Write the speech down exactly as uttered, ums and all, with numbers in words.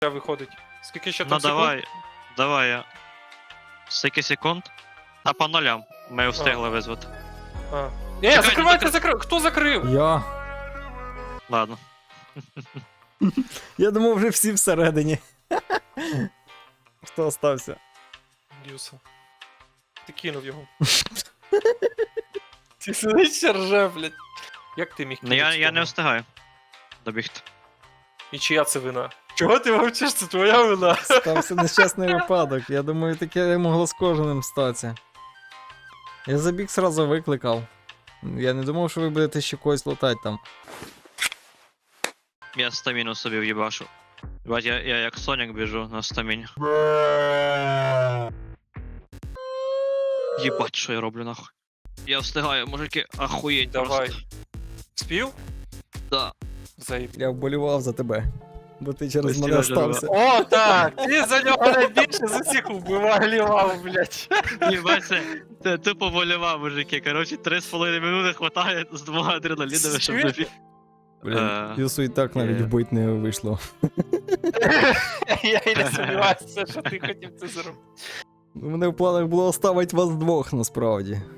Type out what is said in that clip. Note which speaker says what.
Speaker 1: виходить. Скільки ще
Speaker 2: Ну
Speaker 1: там секунд?
Speaker 2: давай, давай я. Скільки секунд? А по нулям. Ми встигли визвати.
Speaker 1: А. Ні,
Speaker 2: Чекайте,
Speaker 1: закривайте,
Speaker 2: закри-
Speaker 1: закрив. Хто закрив?
Speaker 3: Я.
Speaker 2: Ладно.
Speaker 3: Я думав, вже всі всередині. Хто остався?
Speaker 1: Дюса. Ти кинув його. Ти сидиш ще рже, блядь. Як ти міг
Speaker 2: Ну
Speaker 1: кинути?
Speaker 2: я, я не
Speaker 1: того?
Speaker 2: встигаю добігти.
Speaker 1: І чия це вина? Чого ти мовчиш? Це твоя вина.
Speaker 3: Стався нещасний випадок. Я думаю, таке могло з кожним статися. Я забіг сразу викликав. Я не думав, що ви будете ще когось лутати там.
Speaker 2: Я стаміну собі в'їбашу. Бать, я, я як Сонік біжу на стаміні. Єбать, що я роблю нахуй. Я встигаю, мужики, ахуєть
Speaker 1: Давай.
Speaker 2: просто.
Speaker 1: Спів?
Speaker 2: Да.
Speaker 1: Заїб.
Speaker 3: Я вболівав за тебе. Бо ти через
Speaker 2: Ось
Speaker 3: мене
Speaker 2: тебе
Speaker 3: стався.
Speaker 1: О, так! Ти за нього найбільше з усіх вбивав, блядь.
Speaker 2: Єбать, це, це тупо волюва, мужики. Коротше, три з половиною минути хватає з двома адреналінами, щоб
Speaker 1: Чуєш?
Speaker 2: добіг.
Speaker 3: Блін,
Speaker 2: Е,
Speaker 3: Юсу і так навіть
Speaker 2: е.
Speaker 3: вбить не вийшло.
Speaker 1: Я і не сумніваюся, що ти хотів це зробити.
Speaker 3: У мене в планах було оставити вас двох насправді.